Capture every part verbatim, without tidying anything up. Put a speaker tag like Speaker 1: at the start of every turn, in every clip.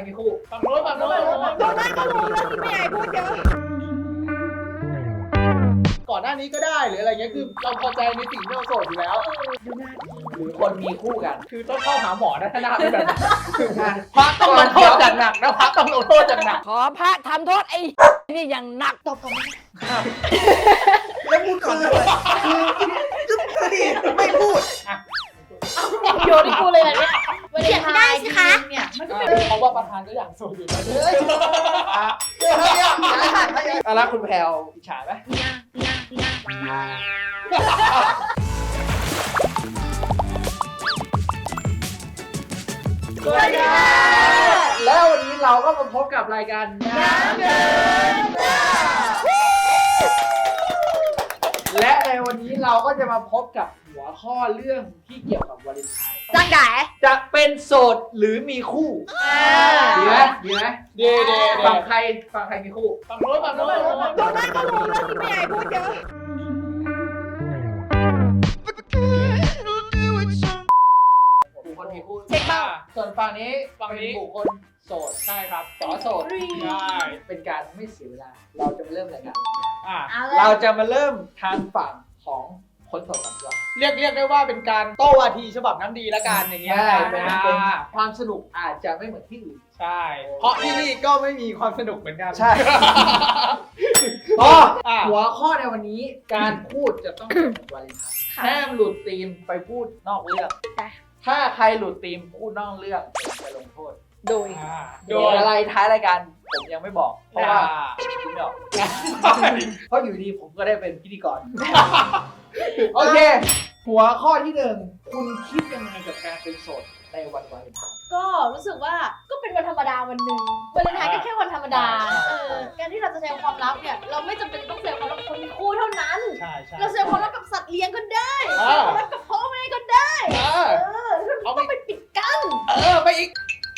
Speaker 1: มีคู่ฝั่งโน้นฝั่งโน้น
Speaker 2: ตรงนั้นก็รู้แล้วที่ไม่ใหญ่พูดเยอะ
Speaker 1: ก่อนหน้านี้ก็ได้หรืออะไรเงี้ยคือเราพอใจในสิ่งที่เราโสดอยู่แล้ว
Speaker 2: ดูหน้าดี
Speaker 3: หรือคนมีคู่กัน
Speaker 1: คือต้องเข้าหาหมอนะถ้าหน้าเป็นแบบนั้นพระต้องลงโทษอย่างหนักนะพระต้องลงโทษอย่างหนัก
Speaker 2: ขอพระทำโทษไอ้นี่อย่างหนักตบผม
Speaker 4: แล้วพูดก่อนเลยคือคือดิไม่พูด
Speaker 2: โยนให้กูเลยแบบนี้เขียนไม่ได้สิคะ
Speaker 1: เนี่ยมันก็เป็นเพราะว่าประธานก็อยากโสดอยู่แล้ว
Speaker 3: อะแล้วคุณแพลวอิจฉาไหม
Speaker 2: เนี่ยเนี่ยเนี่ย
Speaker 3: สวัสดีค่ะแล้ววันนี้เราก็มาพบกับรายการน้ำเดินและในวันนี้เราก็จะมาพบกับหัวข้อเรื่องที่เกี่ยวกับวาเลนไทน์
Speaker 2: จังได๋
Speaker 3: จะเป็นโสดหรือมีคู่ดีไหมดีไหม
Speaker 1: เดเด
Speaker 3: ฝั่งใครฝั่งใครมีคู่
Speaker 1: ฝั่งโน้นฝั่งโน้น
Speaker 2: ตรงนั้นก็รู้แล้วที่ไม่ใหญ่พูดเยอะ
Speaker 3: บุคคลมีคู่
Speaker 2: เช็คบ้าง
Speaker 3: ส่วนฝั่งนี้
Speaker 1: ฝั่งนี้
Speaker 3: เป็นบุคคลโสด
Speaker 1: ใช่ครับ
Speaker 3: สอโสด
Speaker 1: ใช่
Speaker 3: เป็นการไม่เสียเวลา เราจะมาเริ่มรายการ
Speaker 1: อ่ะ
Speaker 2: เอาเล
Speaker 3: เรา
Speaker 2: ย
Speaker 3: จะมาเริ่มทางฝั่งของคนโสดก่อนดีกว่า
Speaker 1: เรียกเรียกได้ว่าเป็นการโต้วาทีฉบับน้ำดีละกันอย่างเงี้ย
Speaker 3: ใช่เป็น
Speaker 1: อ่า
Speaker 3: เป็นความสนุกอาจจะไม่เหมือนที่อื่น
Speaker 1: ใช่ เพราะที่นี่ก็ไม่มีความสนุกเหมือนกัน
Speaker 3: ใช่ ก็
Speaker 1: อ่ะ
Speaker 3: หัวข้อในวันนี้การพูดจะต้องเป็นวาเลนไทน์ห้ามหลุดธีมไปพูดนอกเรื่อง
Speaker 2: ได้
Speaker 3: ถ้าใครหลุดธีมพูดนอกเรื่องผมจะลงโทษ
Speaker 2: โดย
Speaker 1: อ่า
Speaker 3: โดยอะไรท้ายรายการผมยังไม่บอก เพราะว่าคิดไม่ออกเพราะอยู่ดีผมก็ได้เป็นพิธีกร โอเค หัวข้อที่หนึ่งคุณคิดยังไงกับการเป็นโสดในวันวาเลนไทน์
Speaker 5: ก็รู้สึกว่าก็เป็นวันธรรมดาวันหนึ่งวาเลนไทน์ก็แค่วันธรรมดา เออ การที่เราจะแสดงความรักเนี่ย เราไม่จำเป็นต้องแสดงความรักกับคนมีคู่เท่านั้น
Speaker 1: ใช่ใช่
Speaker 5: เราแสดงความรักกับสัตว์เลี้ยงก็ได้
Speaker 1: เอ
Speaker 5: แสดง
Speaker 1: อ
Speaker 5: ความรักกับพ่อแม่ก็ได้
Speaker 1: เออ
Speaker 5: เออเราต้องไปปิดกั้น
Speaker 1: เออไปอีก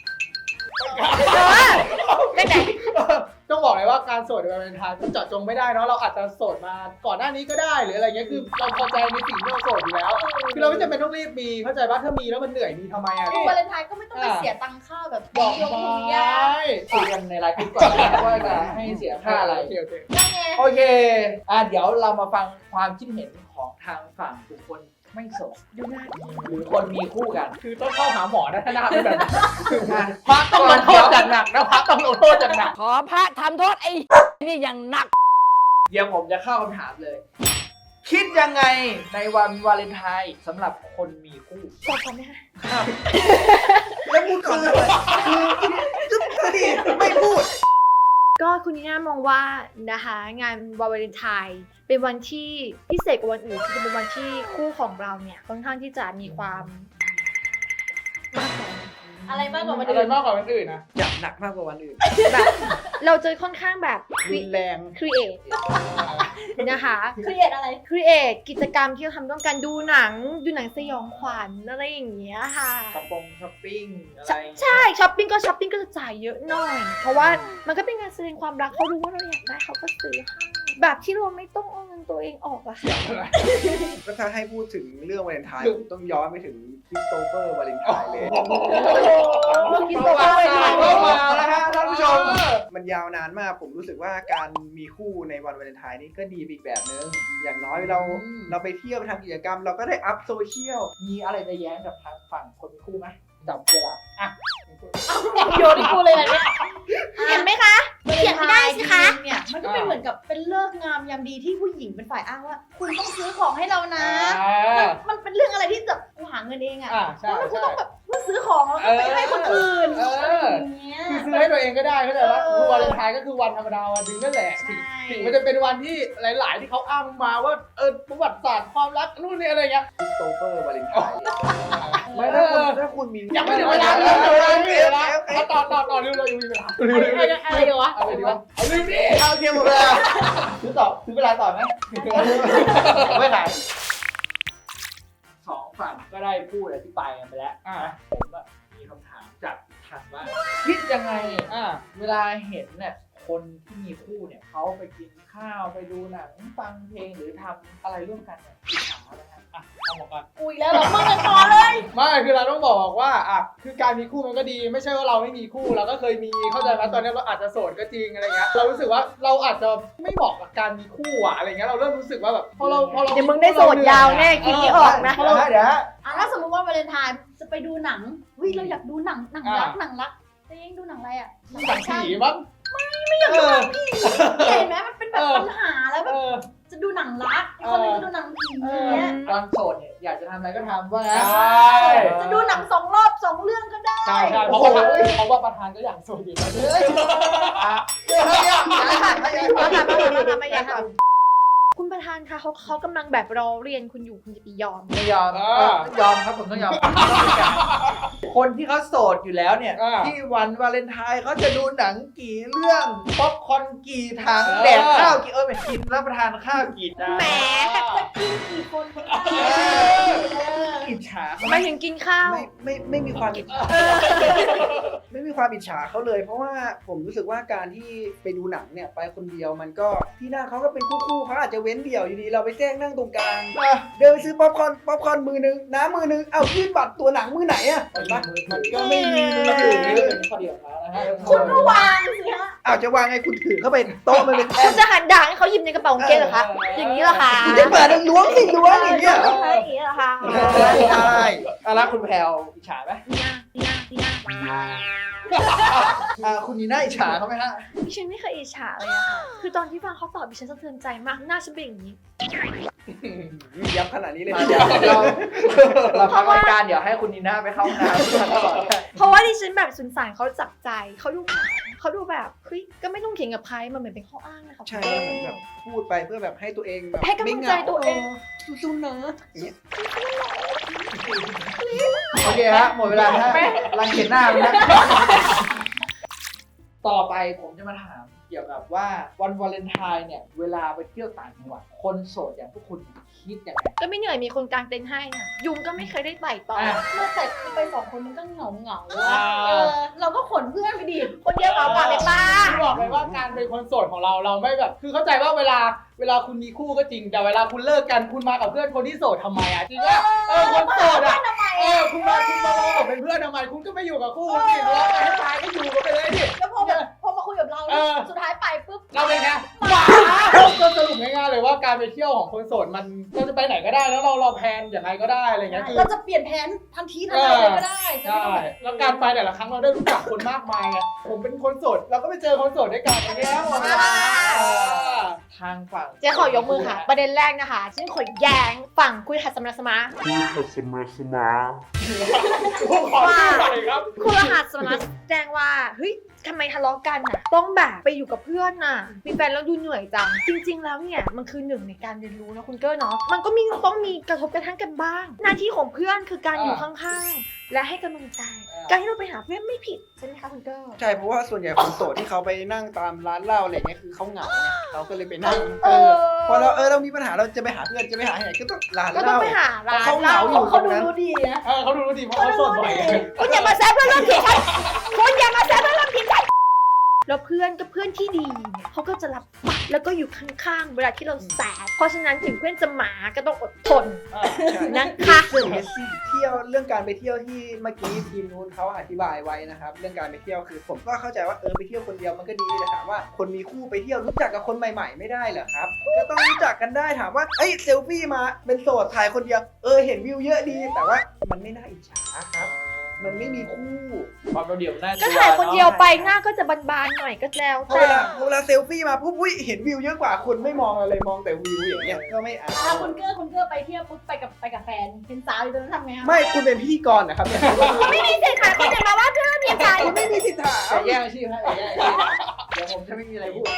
Speaker 2: ได้ไหน
Speaker 1: ต้องบอกเลยว่าการโสดในวาเลนไทน์มันเจาะจงไม่ได้เนาะเราอาจจะโสดมาก่อนหน้านี้ก็ได้หรืออะไรเงี้ยคือเราพอใจในสิ่งที่เราโสดอยู่แล้วคือเราไม่จำเป็นต้องรีบมีเข้าใจว่าถ้ามีแล้วมันเหนื่อยมีทำไมอ่ะ
Speaker 5: วาเลนไทน์ก็ไม่ต้องไปเสียตังค่าแบบ
Speaker 1: บอก
Speaker 5: ยง
Speaker 1: ไป
Speaker 5: ถุงยา
Speaker 3: คุยกันในไลน์กลุ่มก่อนนะว่าจะให้เสียค่าอะไร
Speaker 1: โอเคโอเค
Speaker 5: ยังไง
Speaker 3: โอเค อ่ะเดี๋ยวเรามาฟังความคิดเห็นของทางฝั่งบุคคลไม่โสด
Speaker 2: ดูหน้าดี
Speaker 3: หรือคนมีคู่กัน
Speaker 1: คือต้องเข้าหาหมอนะถ้าหน้าเป็นแบบนั้น
Speaker 3: อ่ะ
Speaker 1: พระต้องลงโทษอย่างหนักนะพระต้องลงโทษอย่างหนัก
Speaker 2: ขอพระทำโทษไอ้นี่อย่างหนัก
Speaker 3: เดี๋ยวผมจะเข้าคำถามเลย คิดยังไงในวันวาเลนไทน์สำหรับคนมีคู่
Speaker 2: ตบผมไหมคะ
Speaker 4: แล้วพูดก่อนเลยคือคือดิไม่พูด
Speaker 6: ก็คุณนีน่ามองว่านะคะงานวาเลนไทน์เป็นวันที่พิเศษกว่าวันอื่นคือเป็นวันที่คู่ของเราเนี่ยค่อนข้างที่จะมีความมากกว่า
Speaker 5: อะไรมากกว่าวัน
Speaker 1: อะไร
Speaker 5: อื่น
Speaker 1: มากกว่าวันอื่นนะ
Speaker 4: จับหนักมากกว่าวันอื่น
Speaker 6: แบบเราจะค่อนข้างแบบ
Speaker 4: รุนแรง
Speaker 6: ครีเอทนะคะ
Speaker 5: เครียดอะไร
Speaker 6: ครีเอทกิจกรรมที่เราทำร่วมกันดูหนังดูหนังสยองขวัญอะไรอย่างเงี้ยค่ะ
Speaker 3: ช้อปปงช้อปปิ้งอะไร
Speaker 6: ใช่ใช่ช้อปปิ้งก็ช้อปปิ้งก็จะจ่ายเยอะหน่อย เพราะว่ามันก็เป็นการแสดงความรักเขารู้ว่าเราอยากได้เขาก็ซื้อให้แบบที่เราไม่ต้องเอาเงินตัวเองออกอะค่ะ
Speaker 4: ก็ถ้าให้พูดถึงเรื่องวาเลนไทน์ผมต้องย้อนไปถึงคริสโตเฟอร์วาเลนไทน์เลย
Speaker 3: เมื่อกี้บอกว่าไม่ได้ก็มาแล้วฮะท่านผู้ชม
Speaker 4: มันยาวนานมากผมรู้สึกว่าการมีคู่ในวันวาเลนไทน์นี่ก็ดีไปอีกแบบนึง อย่างน้อยเรา
Speaker 3: อืม
Speaker 4: เราไปเที่ยวไปทำกิจกรรม เราก็ได้อัพโซเชียล
Speaker 3: มีอะไรจะแย้งกับทางฝั่งคนมีคู่ไหมจับเวลาอ่ะ
Speaker 5: โยนให้กูเลยแบบนี้
Speaker 6: เห็นไหมคะ เขียนไม่ได้สิคะ
Speaker 5: เนี่ยมันก็เป็นเหมือนกับเป็นเลิกษ์งามยามดีที่ผู้หญิงเป็นฝ่ายอ้างว่า คุณต้องซื้อของให้เรานะ
Speaker 1: อ่า
Speaker 5: มันเป็นเรื่องอะไรที่แบบกูหาเงินเองอะ
Speaker 1: อ่าใช่
Speaker 5: แล้วกู
Speaker 1: ใช่
Speaker 5: ต้องแบบเพื่อซื้อของแล้วก็ไปให้คนอื่น
Speaker 1: เออ
Speaker 5: อะไรอย่างเงี้ย
Speaker 1: คือซื้อให้ตัวเองก็ได้เข้าใจว่า
Speaker 5: เออ
Speaker 1: คือวาเลนไทน์ก็คือวันธรรมดาวันหนึงนั่นแหละ
Speaker 5: ใช่
Speaker 1: ถึงถึงมันจะเป็นวันที่หลาย ๆ ที่เขาอ้างมาว่าเออประวัติศาสตร์ความรักนู่นนี่อะไรเงี้ย
Speaker 4: คริสโตเฟอร์วาเลนไทน์
Speaker 1: ไม่
Speaker 4: ไม่
Speaker 1: ได้
Speaker 4: ถ้าคุณถ้าคุณมี
Speaker 1: ยังไม่ถึงเวลาเลยยังไม่ถึงเวลาเอาต่อต่อต่อเร็วๆอยู่เวลา
Speaker 5: อะไรอะไรดีวะ
Speaker 1: อะไรดีวะเอาเร็วดิ
Speaker 4: เอาเทียมหมดเลยอะ
Speaker 3: ซื้อต่อซื้อเวลาต่อไหมไม่ขายสองฝั่งก็ได้พูดอธิบายกันไปแล้ว
Speaker 1: อ่า
Speaker 3: ผมอะมีคำถามจากทางบ้านคิดยังไง
Speaker 1: อ่า
Speaker 3: เวลาเห็นเนี่ยคนที่มีคู่เนี่ยเขาไปกินข้าวไปดูหนังฟังเพลงหรือทำอะไรร่วมกันเนี่ยอิจฉาอะไรฮะ
Speaker 1: อ่ะเอาหมดก่อน
Speaker 5: กูอีกแล้วเหรอมึงกันต่อเลย
Speaker 1: ไไม่คือเราต้องบอกว่าอ่ะคือการมีคู่มันก็ดีไม่ใช่ว่าเราไม่มีคู่เราก็เคยมีเข้าใจไหมตอนนี้เราอาจจะโสดก็จริงอะไรเงี้ยเรารู้สึกว่าเราอาจจะไม่เหมาะกับการมีคู่อะอะไรเงี้ยเราเริ่มรู้สึกว่าแบบพอเราพอเรา
Speaker 6: เดี๋ยวมึงได้โสดยาวแน่คิดไม่ออกนะ
Speaker 3: เดี๋ยวนะเดี๋ยวนะ
Speaker 5: อ่ะถ้าสมมติว่า วาเลนไทน์จะไปดูหนังวิเราอยากดูหนังหนังรักหนังรักแต่ยังดูหนังอะไรอ่ะ
Speaker 1: หนังผีมั้ง
Speaker 5: ไม่อยากดูหนังผีเห็นไหมมันเป็นแบบปัญหาแล้วแบบ
Speaker 1: เออ
Speaker 5: จะดูหนังรักอีกคนนึงจะดูหนังผีอย่างเงี้ย
Speaker 3: ตอนโสดเนี่ยอยากจะทำอะไรก็ทำว่างั้น
Speaker 1: ใช่
Speaker 5: จะดูหนังสองรอบสองเรื่องก็ได้
Speaker 1: ใช่ใช่เพราะว่าเพราะว่าประธานก็อยากโสดอยู่แล้ว
Speaker 3: อ่ะเดี๋ยวนะเนี่ยอย่าให้หันอย่าให้
Speaker 6: มา
Speaker 3: หัน
Speaker 6: ค่ะมาค่ะมาค่ะมาอย่าค่ะคุณประธานคะเขาเขากำลังแบบรอเรียนคุณอยู่คุณจะไปยอม
Speaker 3: ไม่ยอมเออยอมครับผมต้องยอมคนที่เขาโสดอยู่แล้วเนี่ย
Speaker 1: อ่า
Speaker 3: ที่วันวาเลนไทน์เขาจะดูหนังกี่เรื่องป๊อปคอร์นกี่ถังแดกข้าวกี่เออไม่กินรับประทานข้าวกี่จาน
Speaker 6: แหม
Speaker 5: จะกินกี่คนก็ได้
Speaker 3: อิจฉาเขาไหม
Speaker 6: ไม่ถึงกินข้าว
Speaker 4: ไม่ไม่ไม่มีความอิจฉาไม่มีความอิจฉาเขาเลย เพราะว่าผมรู้สึกว่าการที่ไปดูหนังเนี่ยไปคนเดียวมันก็ที่นั่งเขาก็เป็นคู่ๆเขาอาจจะเว้นเดี่ยวอยู่ดีเราไปแจ้งนั่งตรงกลางเดินไปซื้อป๊อปคอร์นป๊อปคอร์นมือนึงน้ำมือนึงเอายื่นบัตรตัวหนังมือไหนอะเห็นปะมันก็ไม่มีมือถือ
Speaker 3: เป็นข้อเดียวของเขานะฮะ
Speaker 5: คุณก็วางสิฮะ
Speaker 4: อ้าวจะวางไงคุณถือเข้าไปโต๊ะมันเป็นแท่
Speaker 6: คุ
Speaker 4: น
Speaker 6: ณจะหันด่างให้เขาหยิบในกระเป๋ากางเกงเหรอคะอย่างนี้เหรอคะ
Speaker 4: คุณจะเปิดล้วงสิล้วงอย่างเงี้ยเหรอ
Speaker 6: เฮ้ยอย่างนี้เหรอคะ
Speaker 4: ใช่
Speaker 3: อ่ะแล้วคุณแพลวอิจฉาไหม
Speaker 6: เนี่ยเนี่ยเนี่ย
Speaker 3: อ่าคุณนีน่าอิจฉาเขาไหมฮะ
Speaker 6: ดิฉันไม่เคยอิจฉาเลยอะค่ะคือตอนที่ฟังเขาตอบดิฉันสะเทือนใจมากหน้าฉันเป็นอย่างนี้
Speaker 4: ยับขนาดนี้เลย
Speaker 3: มาเดี๋ยวเราเราพักรายการเดี๋ยวให้คุณนีน่าไปเข้าห้องน้ำตลอด
Speaker 6: เพราะว่าดิฉันแบบสงสารเขาจับใจเขาดูเขาดูแบบเฮ้ยก็ไม่ต้องเถียงกับใครมันเหมือนเป็นข้ออ้างนะคะ
Speaker 4: ใช่เหมือนแบบพูดไปเพื่อแบบให้ตัวเองแบบ
Speaker 6: ให้กำลังใจตัวเอง
Speaker 4: สู้ๆนะอย่างเงี้ย
Speaker 3: โอเคฮะหมดเวลาฮะรังเกียจหน้ามันนะต่อไปผมจะมาถามเกี่ยวกับว่าวันวาเลนไทน์เนี่ยเวลาไปเที่ยวต่างจังหวัดคนโสดอย่างพวกคุณคิดยังไง
Speaker 6: ก็ไม่เหนื่อยมีคนกางเต็นท์ให้น่ะยุงก็ไม่เคยได้ไต่ต่อ
Speaker 3: อ่ะ
Speaker 5: เมื่อแต่ไปสองคนมันก็เหงาเหงาๆ
Speaker 1: อ่า
Speaker 5: อะเออเราก็ขนเพื่อนไปดิ
Speaker 6: คนเดียวเหงากว่าเลยป้า
Speaker 1: คือบอกเลยว่าการเป็นคนโสดของเราเราไม่แบบ คือเข้าใจว่าเวลาเวลาคุณมีคู่ก็จริงแต่เวลาคุณเลิกกันคุณมากับเพื่อนคนที่โสดทำไมอ่ะจริงว่าเออคนโสดอ่ะเออคุณมาคุณมาลงกับเป็นเพื่อนทำไมคุณก็ไม่อยู่กับคู่สิร้องไปให้ตายก็อยู่กันไปเลยดิ
Speaker 5: แล้วพอแบบพอมาคุยกับเรา
Speaker 1: เออ
Speaker 5: สุดท้ายไปปุ๊บ
Speaker 1: เราเป็นไงหมาก็สรุปง่ายๆเลยว่าการไปเที่ยวของคนโสดมันเราจะไปไหนก็ได้แล้วเราเราแพลนอย่างไรก็ได้อะไรเงี้ยคือ
Speaker 5: เราจะเปลี่ยนแผนทันทีทันใดเลยก็ได้จะ
Speaker 1: ใช่
Speaker 5: ไม่ต้อง
Speaker 1: แล้วการไปแต่ละครั้งเราได้รู้จักคนมากมายไงผมเป็นคนโสดเราก็ไปเจอคนโสดด้วยกันอย่างเงี้ยหมดเลย
Speaker 3: ทางฝั่ง
Speaker 6: เจ๊ขอยกมือค่ะ ประเด็นแรกนะคะฉันขอแย้งฝั่งคุณหัสมรสมา
Speaker 7: Customer Smart.
Speaker 1: ขอชื่อหน่อยครับ
Speaker 6: คุณรหัสสมรสแจ้งว่าเฮ้ยทำไมทะเลาะกันน่ะต้องแบบไปอยู่กับเพื่อนน่ะมีแฟนแล้วดูเหนื่อยจังจริง ๆ แล้วเนี่ยมันคือหนึ่งในการเรียนรู้นะคุณเก้อเนาะมันก็มีต้องมีกระทบกระทั่งกันบ้าง หน้าที่ของเพื่อนคือการอยู่ข้างๆและให้กำลังใจ การที่เราไปหาเพื่อนไม่ผิดใช่ไหมคะคุณเก้อ
Speaker 4: ใช่เพราะว่าส่วนใหญ่คนโสดที่เขาไปนั่งตามร้านเหล้าอะไรเงี้ยคือเขาเหงาไงเขาก็เลยไปนั่งเออพอเราเออเรามีปัญหาเราจะไปหาเพื่อนจะไปหาที่ไหนก็ต้องร้าน
Speaker 6: ก็
Speaker 4: เห
Speaker 6: ต้อง
Speaker 4: ล้า
Speaker 6: ไปหาร้าน
Speaker 4: เขาเห
Speaker 6: เหล้า
Speaker 4: งาอยู่
Speaker 5: เขาดูรู้ดีนะ
Speaker 1: เออเขาดูรู้ดีเพราะเขาโสดบ่อย
Speaker 6: คุณอย่ามาแซะเพื่อนร่วมทีมฉันคุณอย่ามาแซะเพื่อนร่วมทีมฉันแล้วเพื่อนก็เพื่อนที่ดีเนี่ยเขาก็จะรับฟังแล้วก็อยู่ข้างๆเวลาที่เราแสบเพราะฉะนั้นถึงเพื่อนจะหมาก็ต้องอดทน
Speaker 4: ใช่
Speaker 6: นะคะ
Speaker 4: เรื่องเมสซี่เที่ยวเรื่องการไปเที่ยวที่เมื่อกี้ทีมนู้นเขาอธิบายไว้นะครับเรื่องการไปเที่ยวคือผมก็เข้าใจว่าเออไปเที่ยวคนเดียวมันก็ดีแต่ถามว่าคนมีคู่ไปเที่ยวรู้จักกับคนใหม่ ๆ ไม่ได้เหรอครับก็ต้องรู้จักกันได้ถามว่าเอ้ยเซลฟี่มาเป็นโสดถ่ายคนเดียวเออเห็นวิวเยอะดี แต่ว่ามันไม่น่าอิจฉาครับ มันไม่มีคู่
Speaker 3: ความเราเดี่ยวหน้า
Speaker 6: ก็ถ่ายคนเดียวไปหน้าก็จะบานๆหน่อยก็แล้ว
Speaker 4: พอ
Speaker 6: แต่
Speaker 4: เวลาเวลาเซลฟี่มาปุ๊บอุ้ยเห็นวิวเยอะกว่าคุณไม่มองอะไรมองแต่วิวอย่างเงี้ยก็ไม่เอา
Speaker 5: ถ้าคุณเกื้อคุณเกื้อไปเที่ยวปุ๊บไปกับไปกับแฟนเป็นสาวอยู่ตรงนั้นทำไงคะ
Speaker 4: ไม่คุณเป็นพิธีกรนะครับเนี่ย
Speaker 6: ไม่มีสิทธิ์ค่ะคุณจะมาว่าเพื่อนมีใจ
Speaker 4: คุณไม่มีสิทธิ์ถาม
Speaker 3: จะแย่งอาชีพให้อย่าแย่งอาชีพเดี๋ยวผมจะไม่มีอะไรพูด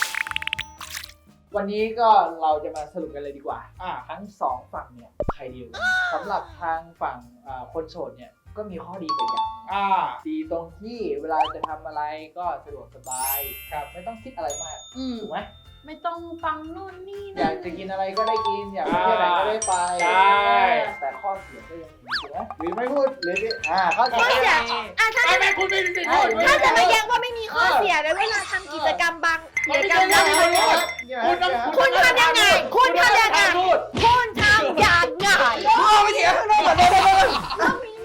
Speaker 3: วันนี้ก็เราจะมาสรุปกันเลยดีกว่า
Speaker 1: อ่า
Speaker 3: ทั้งสองฝั่งเนี่ยใครดีกว่าสำหรับทางฝั่งอ่าคนโสดเนี่ยก็มีข้อดีไปอย่าง
Speaker 1: อ่า
Speaker 3: ดีตรงที่เวลาจะทำอะไรก็สะดวกสบายครับไม่ต้องคิดอะไรมาก
Speaker 5: อืม
Speaker 3: ถูกไหม
Speaker 5: ไม่ต้องฟังนู่นนี่
Speaker 3: อยากจะกินอะไรก็ได้กินอยากไปเที่ยวไหนก็ได้ไป
Speaker 1: ใช่
Speaker 3: แต่ข้อเสียก็ยังมีถูกไหมหรือไม่พูดหรืออ่าข้อเสีย
Speaker 6: ข้อเสีย
Speaker 3: ก็ยังมี
Speaker 6: อ่ะถ้า
Speaker 1: ไม่
Speaker 6: จะ
Speaker 1: ไม่คุณไม่ได้
Speaker 3: อ่า
Speaker 1: พูด
Speaker 6: ถ้าจะมาแย้งว่าไม่มีข้อเสียแล้วเวลาทำกิจกรรมบางกิจกรรมบาง
Speaker 1: คุณต้อง
Speaker 6: คุณทำยังไงคุณทำยังไง
Speaker 1: พูด
Speaker 6: คุณทำยังไง
Speaker 4: เอาไปเถียงข้างนอกก่อนเลย
Speaker 5: เรามี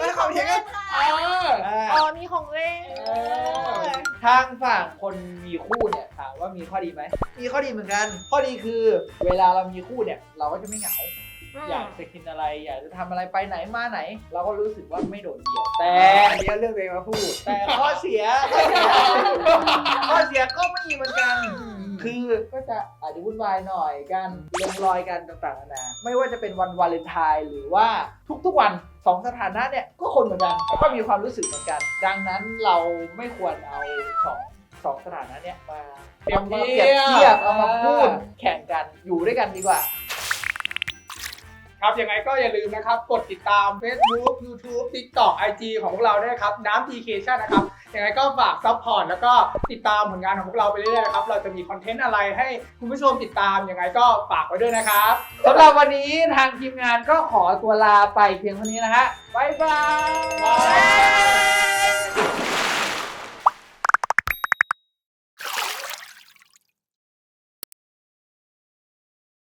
Speaker 3: ทางฝั่งคนมีคู่เนี่ยถามว่ามีข้อดีไหมมีข้อดีเหมือนกัน ข้อดีคือเวลาเรามีคู่เนี่ยเราก็จะไม่เหงา อยากจะกินอะไรอยากจะทำอะไรไปไหนมาไหน เราก็รู้สึกว่าไม่โดดเดี่ยวแต่
Speaker 4: อันนี้เรื่องตัวเองมาพูด
Speaker 3: แต่ข้อเสียข้อเสียข้อเสียก็ไม่มีเหมือนกัน คือก็จะอาจจะวุ่นวายหน่อยกันลงรอยกันต่างๆนานาไม่ว่าจะเป็นวันวาเลนไทน์หรือว่าทุกๆวันสองสถานะเนี่ยก็คนเหมือนกันก็มีความรู้สึกเหมือนกัน ดังนั้นเราไม่ควรเอาสองสองสถานะเนี่ยมา
Speaker 1: เปรียบ
Speaker 3: มา
Speaker 1: เที
Speaker 3: เปรียบ
Speaker 1: ยบ
Speaker 3: เทียบเอามาพูดแข่งกันอยู่ด้วยกันดีกว่า
Speaker 1: ครับยังไงก็อย่าลืมนะครับ กดติดตาม Facebook YouTube TikTok ไอ จี ของพวกเราด้วยนะครับน้ำ ที เค ชั่นนะครับยังไงก็ฝากซัพพอร์ตแล้วก็ติดตามผลงานของพวกเราไปเรื่อยๆนะครับเราจะมีคอนเทนต์อะไรให้คุณผู้ชมติดตามยังไงก็ฝากไว้ด้วยนะครับ
Speaker 3: สำหรับวันนี้ทางทีมงานก็ขอตัวลาไปเพียงเท่านี้นะฮะบ๊ายบาย
Speaker 1: บ๊ายบาย